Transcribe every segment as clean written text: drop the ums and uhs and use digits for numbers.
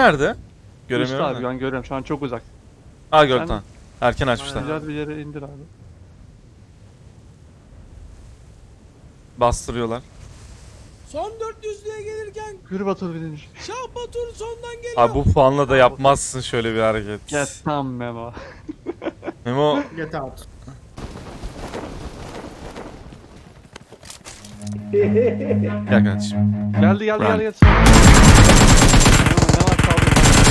nerede? Üstte Göremiyorum abi da. ben görüyorum şu an çok uzak. Aa gördüm Sen- tamam. Erken açmışlar. Güzel bir yere indir abi. Bastırıyorlar. Son 400'lüğe gelirken Yürü Batur birinci. Şah Batur sondan geliyor. Abi bu puanla da yapmazsın şöyle bir hareket. Get tam Memo. Memo Get out. gel kardeşim. Geldi Run. Memo ne var kaldı?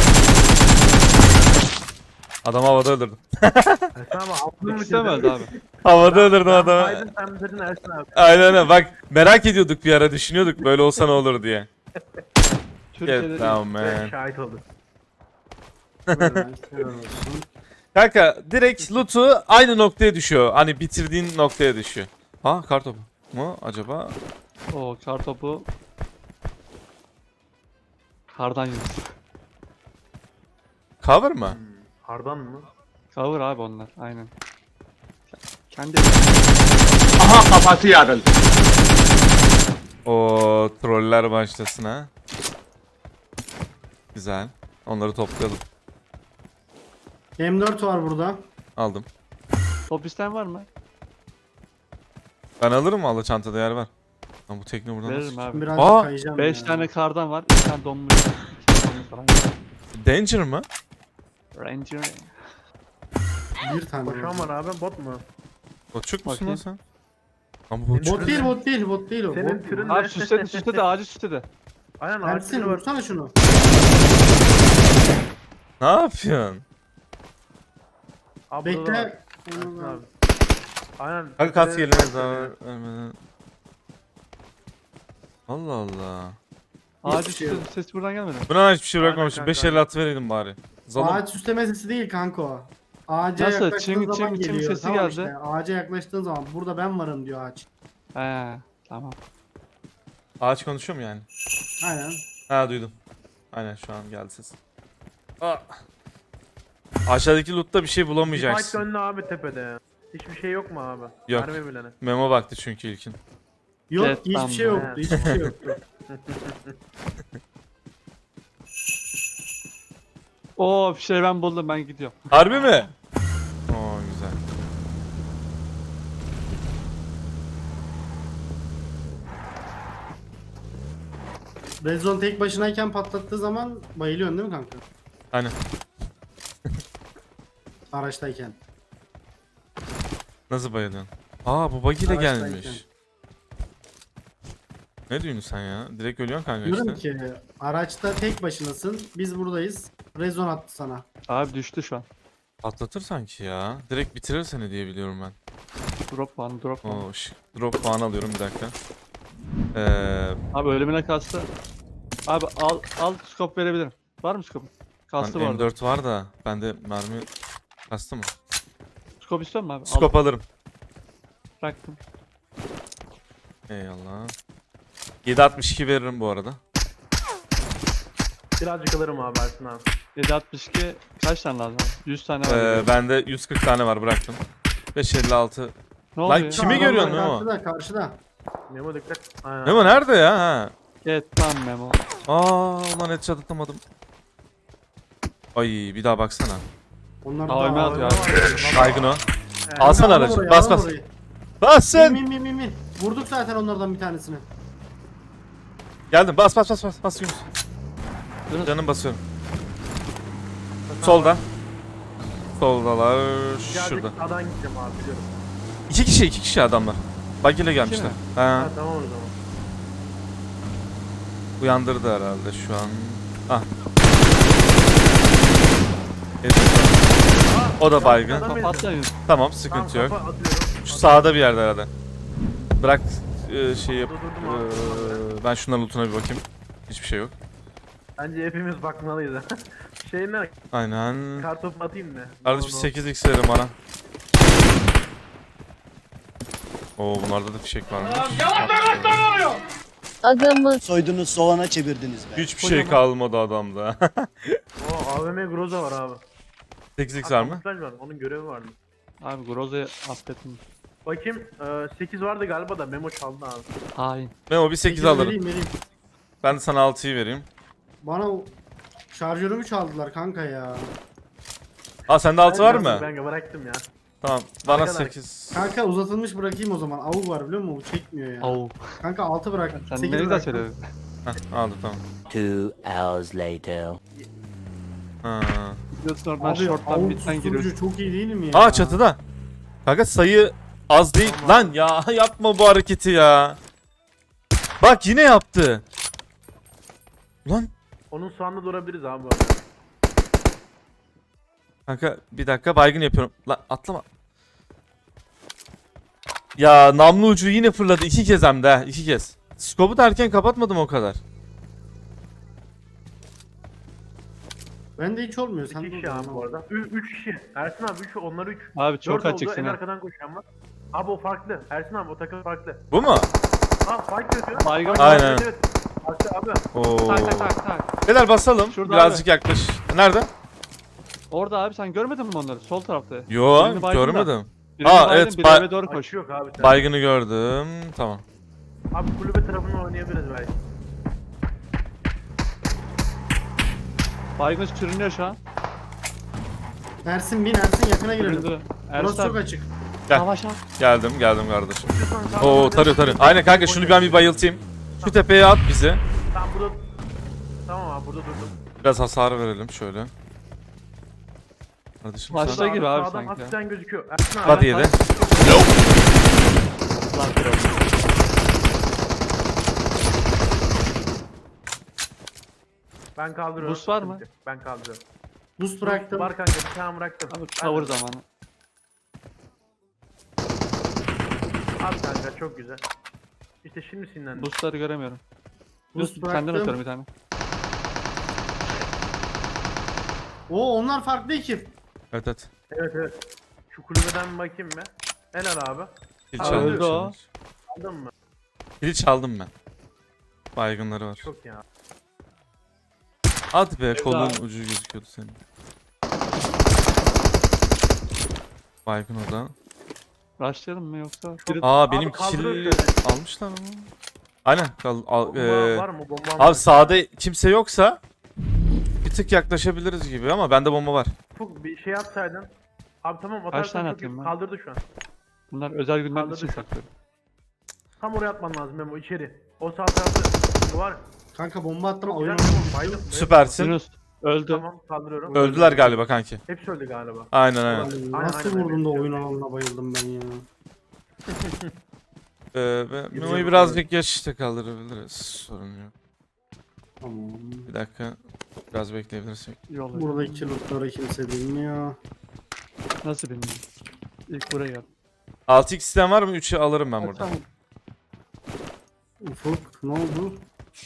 Adamı havada öldürdüm. Tamam altını mı İstemez abi. Havada öldürdüm adamı. Aydın sen bitirdin Ersin abi. Aynen öyle. Bak merak ediyorduk bir ara, düşünüyorduk böyle olsa ne olur diye. Türkiye'de Get down man. Şahit oldu. Kanka direkt loot'u aynı noktaya düşüyor. Hani bitirdiğin noktaya düşüyor. Ha kartopu mu acaba? O kar topu. Kardan yürüsü. Cover mı? Hardan mı? Cover abi onlar aynen. Kendi O troller başlasın ha. Güzel. Onları toplayalım. M4 var burada. Aldım. top isteyen var mı? Ben alırım valla, çantada yer var. Ama bu tekne buradan Veririm nasıl? abi. Birazcık Aa! kayacağım 5 ya. tane kardan var. 2 tane donmuş. 2 tane donmuş falan. Danger mı? Ranger. Bir tane Koşan var abi bot mu? Botçuk musun Bakayım. lan sen? Ama botçuk. Bot değil, bot değil, bot değil o. Senin Bot mu? türün Abi ne? süsledi ağacı süsledi. Aynen Ersin ağaçları var. vursana şunu. Ne yapıyorsun? Abi burada da var. Bekle. Ersin abi. Aynen. Kanka kas tepede gelene var. daha. Allah Allah. Ağacı Hiçbir şey yok. süsledi. Ses buradan gelmedi. Buna hiçbir şey Aynen bırakmamışım. kanka. 5 el at vereydin bari. Zalım. Ağaç süsleme sesi değil kanka o. Ağaca Nasıl? yaklaştığın Çing, zaman çing, çing geliyor. sesi Tamam geldi. işte. Ağaca yaklaştığın zaman burada ben varım diyor ağaç. He tamam. Ağaç konuşuyor mu yani? Aynen. Ha duydum. Aynen şu an geldi ses. Aa. Aşağıdaki loot'ta bir şey Bir fight bulamayacaksın. döndü abi tepede. Hiçbir şey yok mu abi? Yok. Mermi bilene. Memo baktı çünkü ilkin. Yok Evet, hiçbir tamam. şey yoktu. Hiçbir şey yoktu. Oo bir şey ben buldum ben gidiyorum. Harbi mi? Oo güzel. Red Zone tek başınayken patlattığı zaman bayılıyorsun değil mi kanka? Aynen. Araçtayken. Nasıl bayılıyorsun? Aa bu buggy ile Araçtayken. gelmiş. Ne diyorsun sen ya? Direkt ölüyorsun kanka Diyorum işte. ki araçta tek başınasın. Biz buradayız. Red Zone attı sana. Abi düştü şu an. Patlatır sanki ya. Direkt bitirir seni diye biliyorum ben. Drop var drop var. Oo şık. Drop puan alıyorum bir dakika. Abi ölümüne kastı. Abi al scope verebilirim. Var mı scope? Kastı Lan bu arada. M4 var da bende mermi kastı mı? Scope istiyor musun abi? Al, Scope alırım. bıraktım. Eyvallah. 7.62 veririm bu arada. Birazcık alırım abi Ersin abi. 762 kaç tane lazım abi? 100 tane var. Bende 140 tane var, bıraktım. 556. Ne oluyor? Kimi Adamlar görüyorsun Memo? Karşıda karşıda. Memo dikkat. Aynen. Memo nerede ya? Ha. Evet tamam Memo. Aa ulan headshot atamadım. Ay bir daha baksana. Onlar AVM da atıyor abi. Baygın o. Evet. Alsana Alın aracı. orayı, Bas alın bas. orayı. Bas sen. Min. Vurduk zaten onlardan bir tanesini. Geldim. Bas bas bas bas. Bas Yunus. Yunus. Canım basıyorum. Solda. Soldalar. Birazcık Şurada. sağdan gideceğim abi biliyorum. İki kişi adamlar. Buggy ile gelmişler. mi? Ha. Ha tamam o zaman. Uyandırdı herhalde şu an. Ah. Evet. O da baygın. Adam Kapat ya. Tamam sıkıntı yok. Kafa atıyorum. Şu sağda bir yerde herhalde. Bırak şey yap. Durdurdum abi. Ben şunların lootuna bir bakayım. Hiçbir şey yok. Bence hepimiz bakmalıyız. Şey ne? Aynen. Kartopu atayım mı? Kardeş bir 8x verin bana. Oo bunlarda da fişek varmış. Adamı Soydunuz soğana çevirdiniz be. Hiçbir şey kalmadı adamda. Oo AVM Groza var abi. 8x var mı? Kamuflaj var. Onun görevi vardı. Abi Groza'yı affettim. Bakayım 8 vardı galiba da Memo çaldı abi. Hain. Ben o bir 8 alırım. Vereyim. Ben de sana 6'yı vereyim. Bana Şarjörümü çaldılar kanka ya. Aa sende 6 var mı? Ben bıraktım ya. Tamam. Bana Arkadaş. 8. Kanka uzatılmış bırakayım o zaman. Avuk var biliyor musun? Bu çekmiyor ya. Au. Kanka 6 bırak. Sen 8 ne güzel bıraktım. söyledin. Heh, aldım tamam. 2 hours later. Ha. Biliyorsun oradan Abi short'tan avuk bitten giriyorsun. susturucu çok iyi değil mi ya? Aa çatıda. Kanka sayı az değil. Lan ya yapma bu hareketi ya. Bak yine yaptı. Lan Onun sağında durabiliriz abi bu arada. kanka bir dakika baygın yapıyorum. Lan atlama. Ya namlu ucu yine fırladı 2 kez hem de 2 kez. Skopu da erken kapatmadım o kadar. Bende hiç olmuyor. Sen 2 dur. kişi abi bu arada. 3 kişi. Ersin abi 3 onlar 3. Abi çok açık En seni. arkadan koşan var. Abi o farklı. Ersin abi o takım farklı. Bu mu? Aa fight yapıyor. Baygın. Aynen. Evet, evet. Farklı abi. Oo. Tak tak tak tak. Beyler basalım. Şurada Birazcık yaklaş. Nerede? Orada abi sen görmedin mi onları? Sol tarafta. Yo Birini baygın da. görmedim. Birini Aa, baydın, evet, biri eve doğru koş. Koş yok abi. Sen. Baygını gördüm. Tamam. Abi kulübe tarafını oynayabiliriz belki. Baygın sürünüyor şu an. Ersin bin Ersin yakına girelim. Süründü. Burası Ersin çok abi. açık. Gel. Savaş al. Geldim kardeşim. İstiyorsan sağdan Oo oynayalım. tarıyor. Aynen kanka şunu ben bir bayıltayım. Şu tepeye at bizi. Tamam burada. Tamam abi burada durdum. Biraz hasar verelim şöyle. Kardeşim Başla sen... gibi abi Sağdan sanki. hafiften gözüküyor. Ersin abi. Hadi yedi. Lan kral. Ben kaldırıyorum. Boost var mı? Ben kaldırıyorum. Boost bıraktım. Var kanka bir tane bıraktım. Abi cover zamanı. Al kanka çok güzel. İşte şimdi sinirlendim. Boostları göremiyorum. Boost Senden bıraktım. atıyorum bir tane. Oo onlar farklı ekip. Evet evet. Evet evet. Şu kulübeden bakayım mı? Helal abi. Kil Aa, çaldım. öldü o. Aldın mı? Kili çaldım ben. Baygınları var. Çok ya. Hadi be kolun abi. ucu gözüküyordu senin. Baygın o da. Rushlayalım mı yoksa? Aa benim kaldırıyor kili almışlar ama. Aynen. Bomba var mı? Bomba Abi sağda kimse yoksa bir tık yaklaşabiliriz gibi ama bende bomba var. Ufuk bir şey atsaydın. Abi tamam Kaç atarsan tane çok atayım iyi. ben? Kaldırdı şu an. Bunlar özel günler Kaldırdı için şu an. saklıyorum. Tam oraya atman lazım Memo içeri. O sağ tarafta bu var. Kanka bomba attım Çok oyun. güzel Memo. Baydım. Evet, Süpersin. Yunus öldü. Tamam kaldırıyorum. Öldüler galiba kanki. Hepsi öldü galiba. Aynen aynen. Nasıl aynen. vurdum da oyun alanına bayıldım ben ya. Memo'yu birazcık geçişte kaldırabiliriz. Sorun yok. Tamam. Bir dakika. Biraz bekleyebilirsek. Yol. Buradaki lootları kimse bilmiyor. Nasıl bilmiyorum. İlk buraya gel. 6x isteyen var mı? 3'ü alırım ben burada. Tamam. Ufuk ne oldu?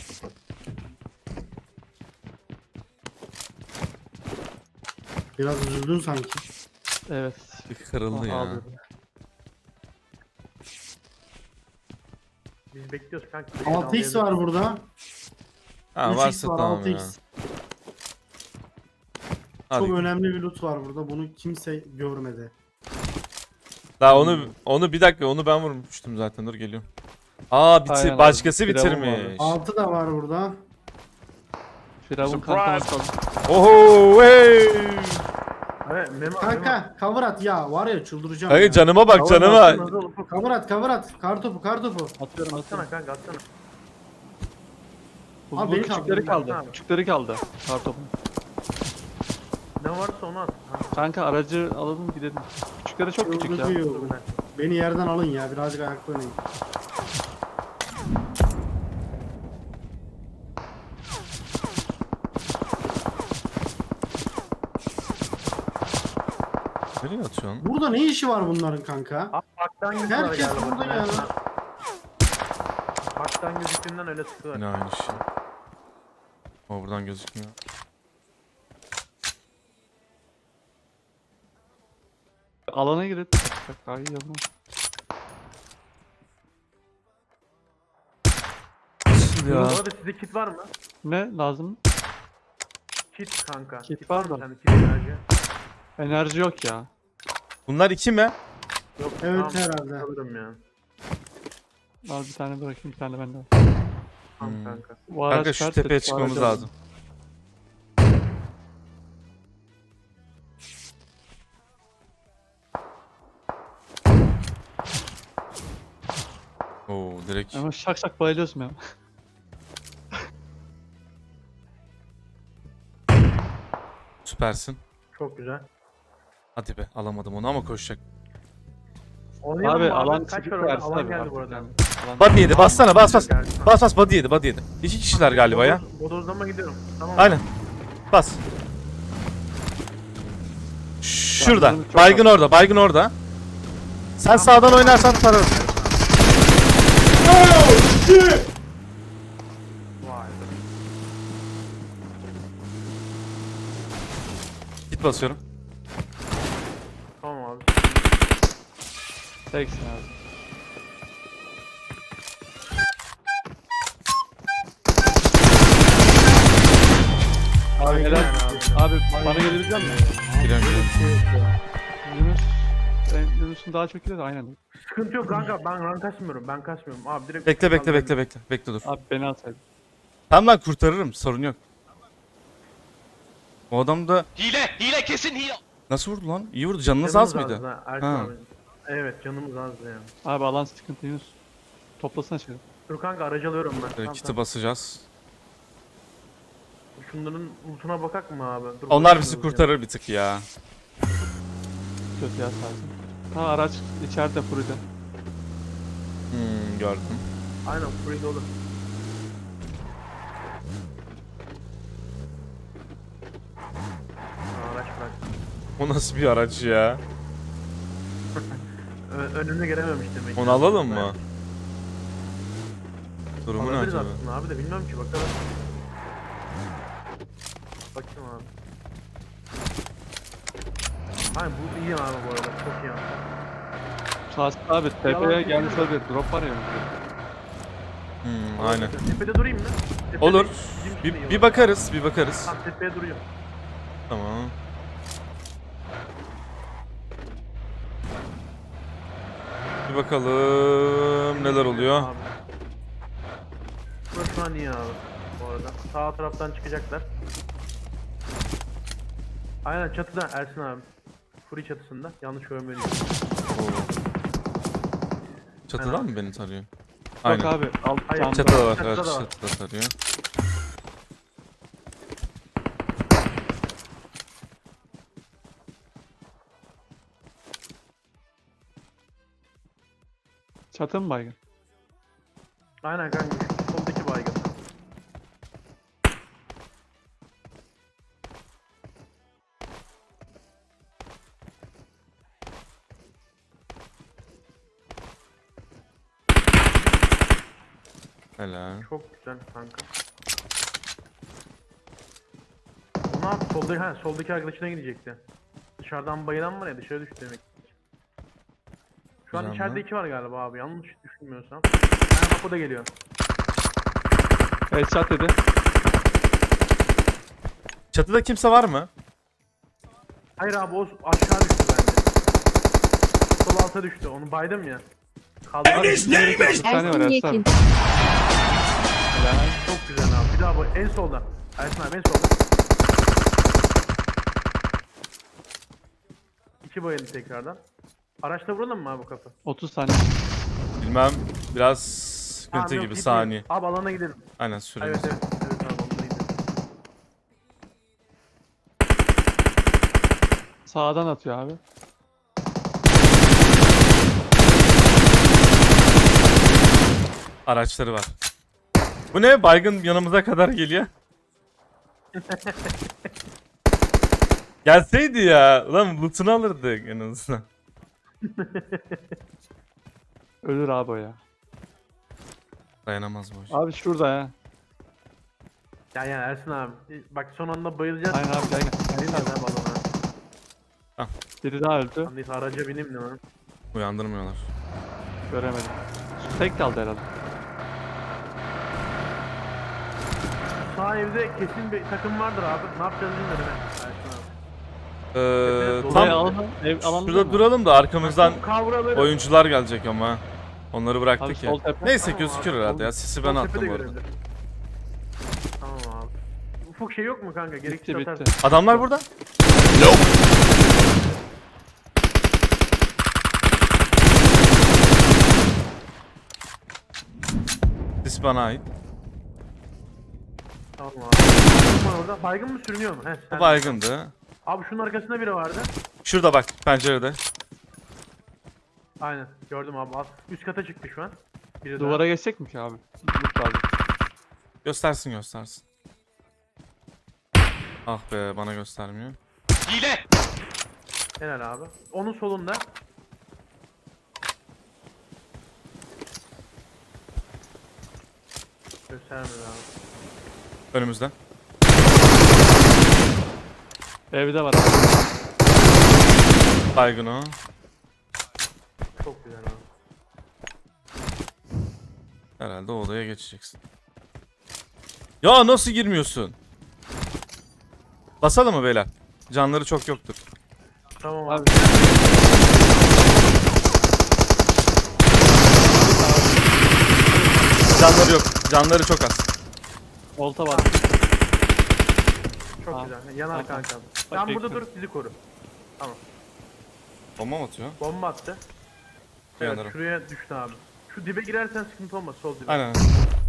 Biraz üzüldün sanki. Evet. Bir kırıldı ya. Aldım. Biz bekliyoruz kanka. 6x var burada. Ha 3x varsa var tamam 6x. ya. Hadi. Çok önemli bir loot var burada. Bunu kimse görmedi. Daha onu bir dakika onu ben vurmuştum zaten. Dur geliyorum. Aa Aynen abi, başkası Firavun bitirmiş. 6 da var burada. Firavun kankamız kaldı. Oho hey. Evet Memo. Kanka cover at ya. Var ya çıldıracağım Kanka ya. canıma bak canıma. Cover at cover at. Kartopu kartopu. Atıyorum atıyorum. Atsana kanka atsana. Bu, Abi bu beni küçükleri kaldırın, kaldı. abi. Küçükleri kaldı. Kartopun. Ne varsa onu at. Kanka aracı alalım gidelim. Küçükleri çok küçük ya. Çıldırıyor. Beni yerden alın ya. Birazcık ayakta oynayın. Nereye atıyorsun? Burada ne işi var bunların kanka? Abi baktan gözüküyor Herkes galiba. burada ya. Baktan gözüktüğünden öyle sıkıyorlar. Yine aynı şey. O buradan gözükmüyor. Alana girelim. Ay yanına. Nasıl Bu ya? arada sizde kit var mı? Ne lazım? Kit kanka. Kit var da. Sende kit enerji. Enerji yok ya. Bunlar iki mi? Yok. Evet, tamam, herhalde. Alırım ya. Al bir tane bırakayım bir tane bende. Tamam Hmm. kanka. Bu araç Kanka şu ters tepeye et, bu çıkmamız aracı lazım. Oo direkt. Ama şak şak bayılıyorsun ya. Süpersin. Çok güzel. Hadi be alamadım onu ama koşacak. Oynayalım Abi mı alan Kaç var çıktı orada? Ersin Alan abi. geldi bu arada. Body yedi bassana bas bas. Geldi. Bas bas body yedi body yedi. İki kişiler galiba ya. Bodozlama gidiyorum. Tamam. Aynen. Bas. Şurada. Canım çok Baygın orada. Baygın orada. Sen sağdan oynarsan tararım. Vay. Git basıyorum. Tamam abi. Teksin abi. Abi helal. Abi bana gelebilecek misin? Giriyorum giriyorum. Yunus. Yunus'un daha çok ileri aynen. Sıkıntı yok kanka. Ben rank kasmıyorum. Ben kasmıyorum. Abi direkt Bekle bekle bekle bekle. Bekle dur. Abi beni atsaydın. Tamam lan kurtarırım. Sorun yok. O adam da Hile kesin hile. nasıl vurdu lan? İyi vurdu. Canınız az Canımız mıydı? ha, Ersin Ha. abi. Evet canımız azdı yani. Abi alan sıkıntı Yunus. Toplasana şöyle. Dur kanka aracı alıyorum ben. Böyle kiti basacağız. Şunların lootuna bakak mı abi? Dur, Onlar bakayım bizi hızlıca. kurtarır bir tık ya. Kötü ya sadece. Ha araç içeride Furi'de. Gördüm. Aynen free dolu. Araç bırak. O nasıl bir araç ya? Önüne gelememiş demek ki. Onu alalım mı? Durumu ne Alabiliriz acaba? aslında abi de bilmem ki bakalım. Bakayım abi. Hayır bu iyi abi bu arada çok iyi abi. Şahsi abi tepeye gelmiş olabilir. Drop var ya. Aynen. Tepede durayım mı? Tepede Olur. bizim için de iyi Bir olur. bakarız, bir bakarız. Tamam tepeye duruyor. Tamam. Bir bakalım neler oluyor. Abi. Burası şu an iyi abi bu arada. Sağ taraftan çıkacaklar. Aynen çatıda Ersin abi. Furi çatısında. Yanlış görmüyorum. Çatıdan mı beni tarıyor? Yok Aynen. abi. Al, Hayır, can- Çatıda var, Çatıda evet, da var. çatıda tarıyor. Çatı mı baygın? Aynen kanka. Şu soldaki baygın. Helal. Çok güzel kanka. O ne yaptı? Soldaki arkadaşına gidecekti. Dışarıdan bayılan var ya dışarı düştü demek. Şu an Güzel içeride mi? iki var galiba abi yanlış düşünmüyorsam. Aynen bak o da geliyor. Evet çat dedi. Çatıda kimse var mı? Hayır abi o aşağı düştü bence. Sol alta düştü onu baydım ya. Kaldı. Bir tane var Ersin abi. Helal. Çok güzel abi. Bir daha bu en solda. Ersin abi en solda. İki bayıldı tekrardan. Araçla vuralım mı abi bu kapı? 30 saniye. Bilmem. Biraz sıkıntı Abi yok, gibi gitmeyin. saniye. Abi alana gidelim. Aynen süremiz. Evet evet. Evet abi alana gidelim. Sağdan atıyor abi. Araçları var. Bu ne? Baygın yanımıza kadar geliyor. Gelseydi ya. Ulan loot'unu alırdık en azından. Ölür abi o ya. Dayanamaz bu iş. Abi şurada ya. Yani Ersin abi. Bak son anda bayılacağız. Aynen abi gel gel. Aynen abi alana. Biri daha öldü. Neyse araca bineyim de lan. Uyandırmıyorlar. Göremedim. Tek kaldı herhalde. Sağ evde kesin bir takım vardır abi. Ne yapacağız bilmiyorum ben. Ersin abi. Tam Buraya alalım. Ev alanı şurada duralım da arkamızdan Kavraları. oyuncular gelecek ama. Onları Abi bıraktık ya. sol tepe. Neyse Tamam gözükür abi, herhalde sol- ya. Sisi sol ben tepe de attım bu arada. görebilir. Tamam abi. Ufuk şey yok mu kanka? Gerekli Bitti atarsın. bitti. Adamlar burada. bana ait. Tamam abi. Baygın var orada. Baygın mı sürünüyor mu? He, Bu sen. baygındı. Abi şunun arkasında biri vardı. Şurada bak pencerede. Aynen gördüm abi. Üst kata çıktı şu an. Biri Duvara geçecek mi ki abi? Loot lazım. Göstersin göstersin. Ah be bana göstermiyor. daha. Helal abi. Onun solunda. Göstermedi abi. Önümüzde. Evde var abi. Baygın o. Çok güzel abi. Herhalde o odaya geçeceksin. Ya nasıl girmiyorsun? Basalım mı beyler? Canları çok yoktur. Tamam Abi. abi. Canları yok. Canları çok az. Olta var. Çok Tamam. güzel. Yanar Tamam. kanka. Bak, Sen burada dur bekliyorum. bizi koru. Bomba mı atıyor? Bomba attı. Evet Yanarım. şuraya düştü abi. Şu dibe girersen sıkıntı olmaz sol dibe. Aynen.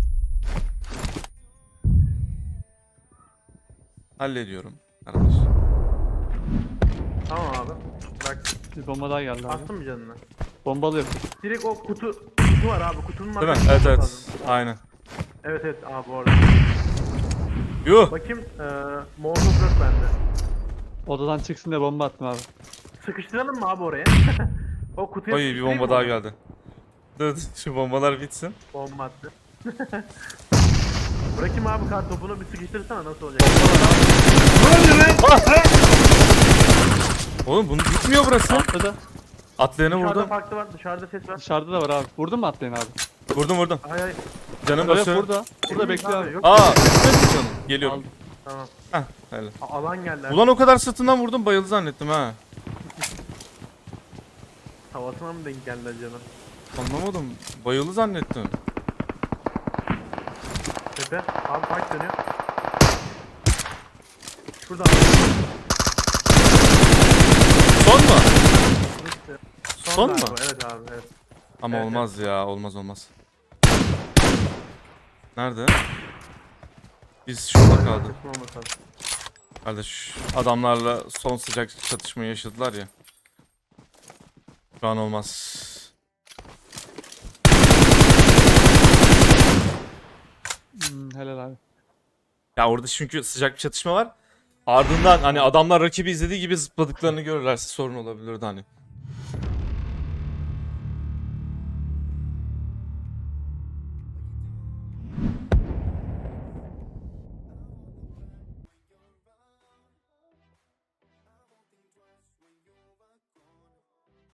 Hallediyorum. Arkadaş. Tamam abi. Bak Bir bomba daha geldi abi. attın mı canını? Bombalı yok. Direkt o kutu var abi kutunun Değil mi? arkasında Evet evet. lazım. Aynen. Evet evet abi orada. Yuh. Bakayım Molotov yok bende. Odadan çıksın diye bomba attım abi. Sıkıştıralım mı abi oraya? O kutuya Oy bir sıkıştırayım bomba mı daha onu? geldi. Dur şu bombalar bitsin. Bomba attı. Bırakayım abi kar topunu bir sıkıştırsana nasıl olacak? Oğlum bunu bitmiyor burası. Atladı. Atlayanı Dışarıda vurdum. farklı var dışarıda ses var. Dışarıda da var abi. Vurdun mu atlayın abi? Vurdum. Hay hay. Canım Evet basıyor. burada. Burada bekliyor abi. Yok. Aa, bitmedi canım. Geliyorum. Aldım. Tamam. Heh, helal. Alan geldi. abi. Ulan o kadar sırtından vurdum bayıldı zannettim ha. Havasına mı denk geldi acaba? Anlamadım. Bayıldı zannettim. Tepe. Abi fight dönüyor. Şurada. Son mu? Son Son galiba. mu? Evet abi evet. Ama Evet, olmaz ya. Olmaz. Nerede? Biz şurada kaldık. Kesin olmasa lazım. Kardeş adamlarla son sıcak çatışmayı yaşadılar ya. Şu an olmaz. Helal abi. Ya orada çünkü sıcak bir çatışma var. Ardından hani adamlar rakibi izlediği gibi zıpladıklarını görürlerse sorun olabilirdi hani.